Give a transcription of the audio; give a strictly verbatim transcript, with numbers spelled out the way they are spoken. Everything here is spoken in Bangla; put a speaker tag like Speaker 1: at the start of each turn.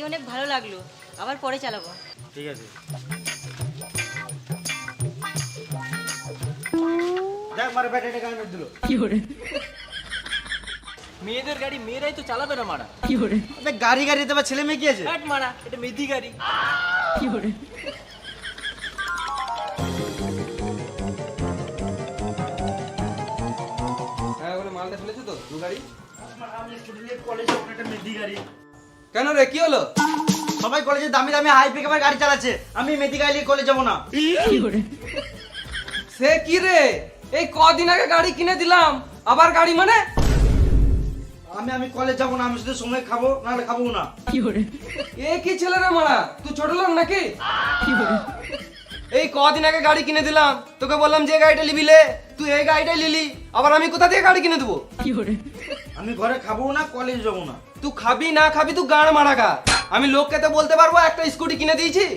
Speaker 1: অনেক ভালো লাগলো, আবার পরে চালাবো।
Speaker 2: ঠিক আছে। দেখ মারা ব্যাটারিটা কানে দিল।
Speaker 3: কি করে?
Speaker 4: মেয়েদের গাড়ি মেয়েরাই তো চালাবে না মারা।
Speaker 3: কি করে?
Speaker 2: আবে গাড়ি গাড়িতে বা ছেলে মেয়ে কি আছে?
Speaker 4: হাট মারা, এটা মেদি গাড়ি।
Speaker 3: কি করে?
Speaker 5: হ্যাঁ বলে মালটা ফেলেছো তো দু গাড়ি?
Speaker 2: আমি স্টুডেন্ট কলেজে একটা মেদি গাড়ি।
Speaker 5: কেন রে কি হলো?
Speaker 2: সবাই কলেজে দামি দামি হাই পিকআপের গাড়ি চালাচ্ছে, আমি মেদি গাড়ি নিয়ে কলেজ যাবো না।
Speaker 3: কি করে?
Speaker 5: সে কি রে, এই কদিন আগে গাড়ি কিনে দিলাম আবার গাড়ি মানে?
Speaker 2: আমি আমি কলেজ যাবো না, আমি শুধু সময় খাবো নাহলে খাবো না।
Speaker 3: কি করে?
Speaker 5: এ কি ছেলে রে মারা, তুই ছোট লোক নাকি?
Speaker 3: কি করে?
Speaker 5: এই কদিন আগে গাড়ি কিনে দিলাম, তোকে বললাম যে গাড়িটা নিবি লে, তুই এই গাড়িটাই নিলি, আবার আমি কোথা থেকে গাড়ি কিনে দেবো?
Speaker 3: কি করে?
Speaker 2: আমি ঘরে খাবো না, কলেজ যাবো না।
Speaker 5: তুই খাবি না খাবি তুই গাড় মারা গা, আমি লোককে তো বলতে পারবো একটা স্কুটি কিনে দিয়েছি।